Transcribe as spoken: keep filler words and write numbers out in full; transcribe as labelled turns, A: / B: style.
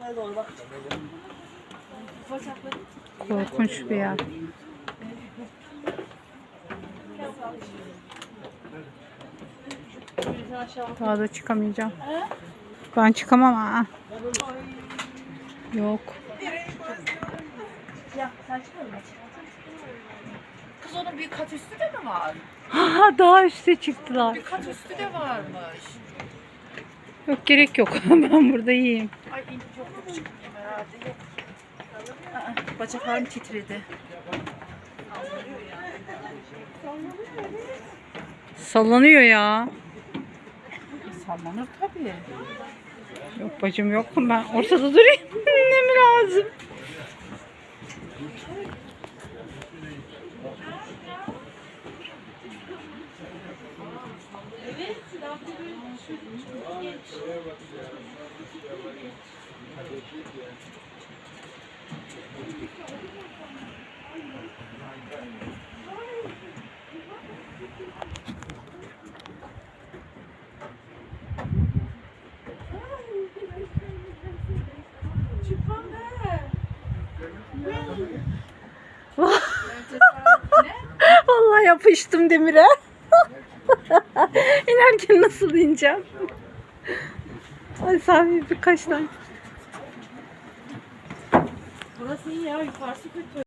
A: Korkunç bir yer. Daha da çıkamayacağım. Ben çıkamam ha. Yok.
B: Kız onun bir kat üstü de mi var?
A: Ha, daha üste çıktılar.
B: Bir kat üstü de varmış.
A: Yok, gerek yok. Ben burada iyiyim.
B: Ay in çok çok çıkmıyor herhalde. Yok. Aa, bacaklarım titredi.
A: Sallanıyor ya.
B: Sallanır tabii.
A: Yok bacım, yok. Ben ortada durayım. Ne mi lazım? Vallahi yapıştım demire. İnerken nasıl ineceğim? Ay Safi, birkaç tane.
B: Burası iyi ya, yukarısı kötü.